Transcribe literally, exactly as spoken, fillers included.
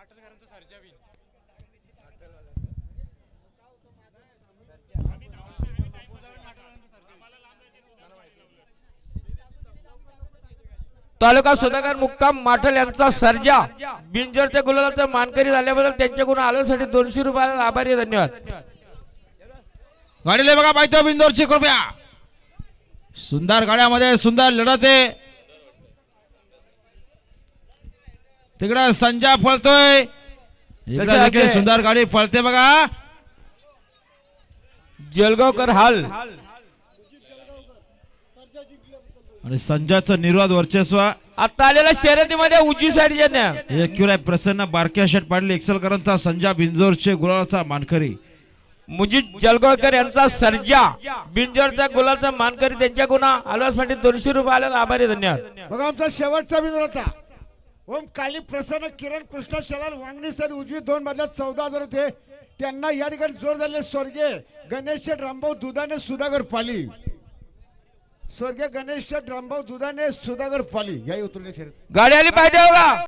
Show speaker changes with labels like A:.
A: तालुका सुधाकर मुक्काम माठल यांचा सर्जा बिंजरच्या गुलालाचा मानकरी झाल्याबद्दल त्यांच्याकडून आलोसाठी दोनशे रुपयाला आभारी आहे. धन्यवाद.
B: गाडीले बघा पाहिजे बिंदोरची कृपया. सुंदर गाड्यामध्ये सुंदर लढत आहे. तिकडे संजा पळतोय, इकडे सुंदर गाडी पळते बघा.
A: जलगावकर हाल
B: आणि संजयचं निर्वाद वर्चस्व.
A: आता आलेल्या शर्यतीमध्ये उजवी साईड ज्यांना
B: एक प्रसन्न बारक्या शर्ट पाडली एक्सलकरांचा संजा बिंजोरचे गुलालाचा मानकरी.
A: मुजीद जलगावकर यांचा सर्जा बिंजोरचा गुलालचा मानकरी त्यांच्याकडून आलोसाठी दोनशे रुपयाला आभारी आहे. धन्यवाद.
C: बघा आमचा शेवटचा बिंदू होता ओम काली प्रसन्न किरण कृष्ण शलाल वांगणी सर उजवी दोन मधल्यात चौदा हजार होते. त्यांना या ठिकाणी जोर झाले स्वर्गीय गणेश रामभाऊ दुधाने सुधागर पाली. स्वर्गीय गणेश रामभाऊ दुधाने सुधागर पाली या उतरले
A: गाडी आली पाहिजे बघा.